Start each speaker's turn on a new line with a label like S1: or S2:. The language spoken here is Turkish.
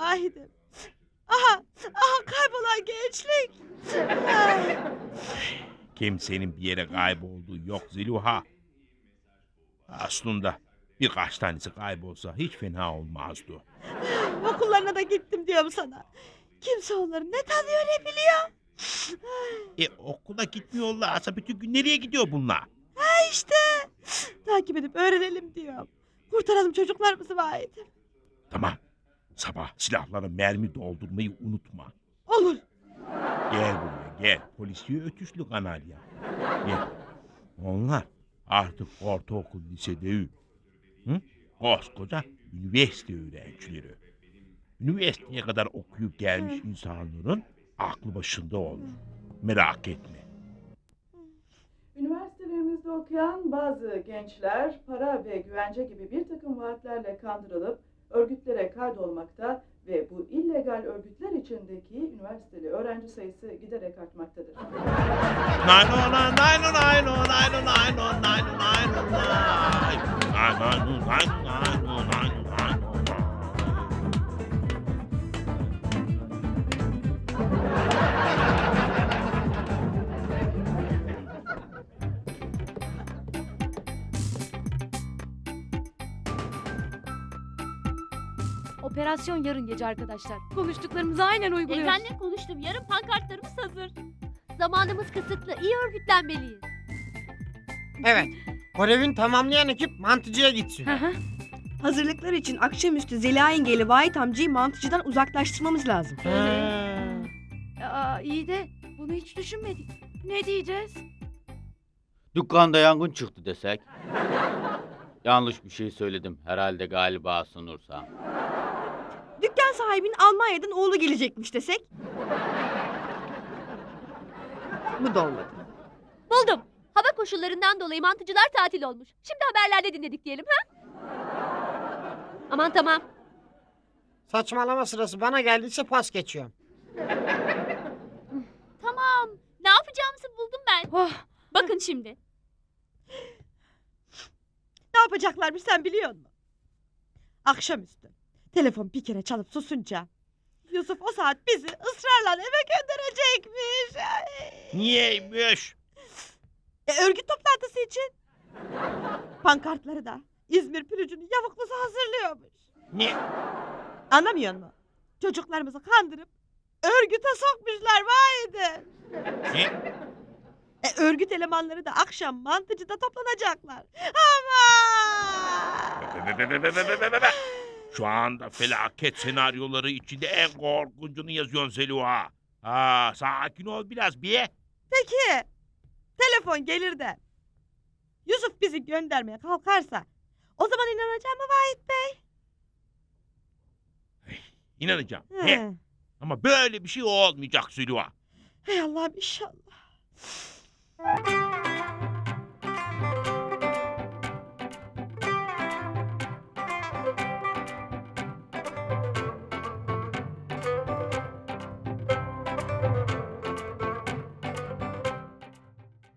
S1: Vahidim. Aha, aha kaybolan gençlik. Ay,
S2: Kimsenin bir yere kaybolduğu yok Zeliha. Aslında birkaç tanesi kaybolsa hiç fena olmazdı.
S1: okullarına da gittim diyorum sana. Kimse onları ne tanıyor ne biliyor.
S2: Okula gitmiyorlarsa bütün gün nereye gidiyor bunlar?
S1: İşte takip edip öğrenelim diyorum. Kurtaralım çocuklarımızı Vahidim.
S2: Tamam. Sabah silahlara mermi doldurmayı unutma.
S1: Olur.
S2: Gel buraya gel. Polisiye ötüşlü kanalya. Gel. Onlar artık ortaokul lise değil. Hı? Koskoca üniversite öğrencileri. Üniversiteye kadar okuyup gelmiş insanların aklı başında olur. Merak etme.
S3: Üniversitelerimizde okuyan bazı gençler para ve güvence gibi bir takım vaatlerle kandırılıp örgütlere kaydolmakta ve bu illegal örgütler içindeki üniversiteli öğrenci sayısı giderek artmaktadır.
S4: Operasyon yarın gece arkadaşlar. Konuştuklarımızı aynen uyguluyoruz.
S5: Evrenle konuştum. Yarın pankartlarımız hazır. Zamanımız kısıtlı. İyi örgütlenmeliyiz.
S6: Evet. Görevini tamamlayan ekip mantıcıya gitsin.
S4: Hı hı.
S7: Hazırlıklar için akşamüstü Zeliha yengeyle Vahit amcayı mantıcıdan uzaklaştırmamız lazım.
S4: İyi de bunu hiç düşünmedik. Ne diyeceğiz?
S8: Dükkanda yangın çıktı desek. Yanlış bir şey söyledim. Herhalde galiba sanırsam.
S7: Dükkan sahibinin Almanya'dan oğlu gelecekmiş desek. Bu da olmadı.
S5: Buldum. Hava koşullarından dolayı mantıcılar tatil olmuş. Şimdi haberlerde dinledik diyelim ha? Aman tamam.
S6: Saçmalama sırası bana geldiyse pas geçiyorum.
S5: Tamam. Ne yapacağımızı buldum ben.
S4: Oh,
S5: Bakın şimdi.
S1: Ne yapacaklarmış sen biliyor musun? Akşamüstü. Telefon bir kere çalıp susunca. Yusuf o saat bizi ısrarla eve gönderecekmiş. Ay.
S2: Niyeymiş?
S1: Örgüt toplantısı için. Pankartları da İzmir pürücünün yavuklusu hazırlıyormuş.
S2: Ne?
S1: Anlamıyor musun? Çocuklarımızı kandırıp örgüte sokmuşlar Vahidim.
S2: Ne?
S1: Örgüt elemanları da akşam mantıcıda toplanacaklar. Ama!
S2: Şu anda felaket senaryoları içinde en korkuncunu yazıyorsun Zeliha. Sakin ol biraz bir.
S1: Peki telefon gelir de Yusuf bizi göndermeye kalkarsa o zaman inanacağım mı Vahit Bey?
S2: İnanacağım.
S1: He.
S2: Ama böyle bir şey olmayacak Zeliha.
S1: Hay Allah'ım inşallah.